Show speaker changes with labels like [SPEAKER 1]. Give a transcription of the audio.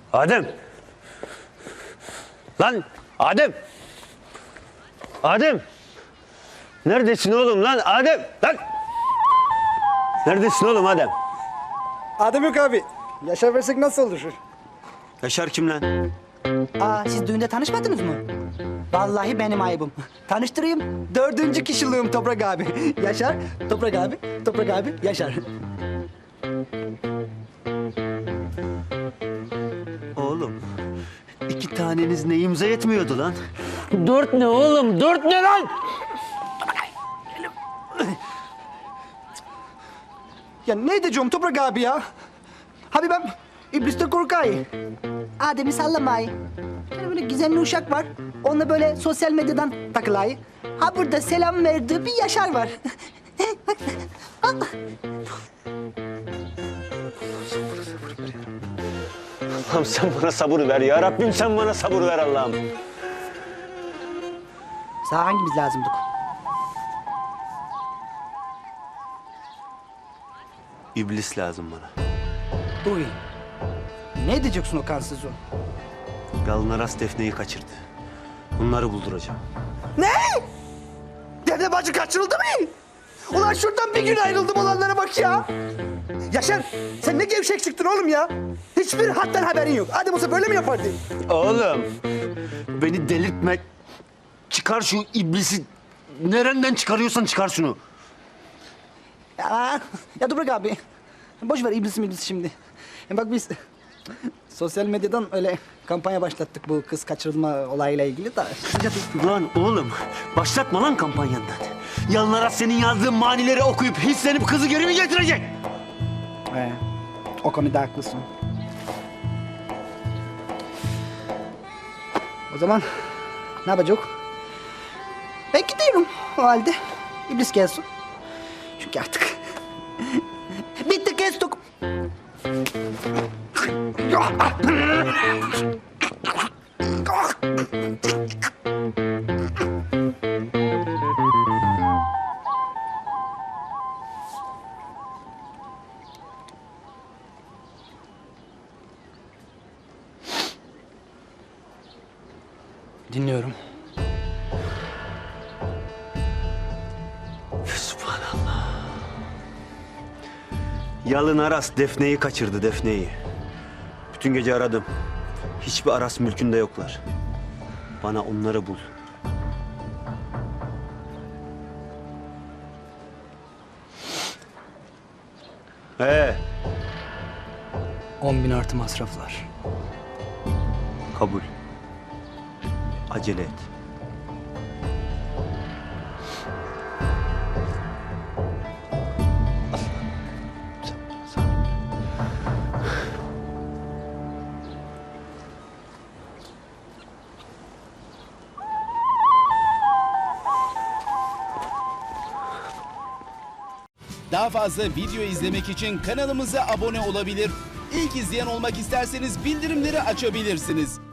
[SPEAKER 1] Adem. Lan Adem. Adem. Neredesin oğlum lan Adem? Lan. Neredesin oğlum Adem?
[SPEAKER 2] Adem yok abi. Yaşar versek nasıl olur?
[SPEAKER 1] Yaşar kim lan?
[SPEAKER 3] Siz düğünde tanışmadınız mı? Vallahi benim ayıbım. Tanıştırayım. 4. kişiliğim Toprak abi. Yaşar, Toprak abi, Toprak abi, Yaşar.
[SPEAKER 1] Oğlum. 2 taneniz neyimize yetmiyordu lan?
[SPEAKER 4] 4 ne oğlum? 4 ne lan?
[SPEAKER 3] Ya ne edeceğim Toprak abi ya? Abi ben iblisten korkayım. Adem'i sallamayı. Yani böyle gizemli uşak var. Onunla böyle sosyal medyadan takılayı. Ha burada selam verdiği bir Yaşar var.
[SPEAKER 1] Allah'ım sen bana sabır ver ya Rabbim, sen bana sabır ver Allah'ım.
[SPEAKER 3] Sana hangimiz lazımdık?
[SPEAKER 1] İblis lazım bana.
[SPEAKER 3] Uy. Ne edeceksin o kansızı?
[SPEAKER 1] Yalın Aras Defne'yi kaçırdı. Bunları bulduracağım.
[SPEAKER 3] Ne? Defne bacı kaçırıldı mı? Ulan şuradan bir gün ayrıldım olanlara bak ya. Yaşar sen ne gevşek çıktın oğlum ya. Hiçbir hattan haberin yok. Adem olsa böyle mi yapardı?
[SPEAKER 1] Oğlum, beni delirtme. Çıkar şu iblisi. Nereden çıkarıyorsan çıkar şunu.
[SPEAKER 3] Ya Toprak abi. Boş ver iblisi şimdi. Bak biz sosyal medyadan öyle kampanya başlattık bu kız kaçırılma olayıyla ilgili de.
[SPEAKER 1] Lan oğlum, başlatma lan kampanyandan. Yalın Aras senin yazdığın manileri okuyup hislenip kızı geri mi getirecek?
[SPEAKER 3] O konuda haklısın. O zaman ne yapacak? Ben gidiyorum o halde. İblis gelsin. Çünkü artık bitti kestik. Dinliyorum.
[SPEAKER 1] Subhanallah. Yalın Aras Defne'yi kaçırdı, Defne'yi. Bütün gece aradım. Hiçbir Aras mülkünde yoklar. Bana onları bul. He,
[SPEAKER 3] 10.000 artı masraflar.
[SPEAKER 1] kabul. Acele et.
[SPEAKER 5] Daha fazla video izlemek için kanalımıza abone olabilir. İlk izleyen olmak isterseniz bildirimleri açabilirsiniz.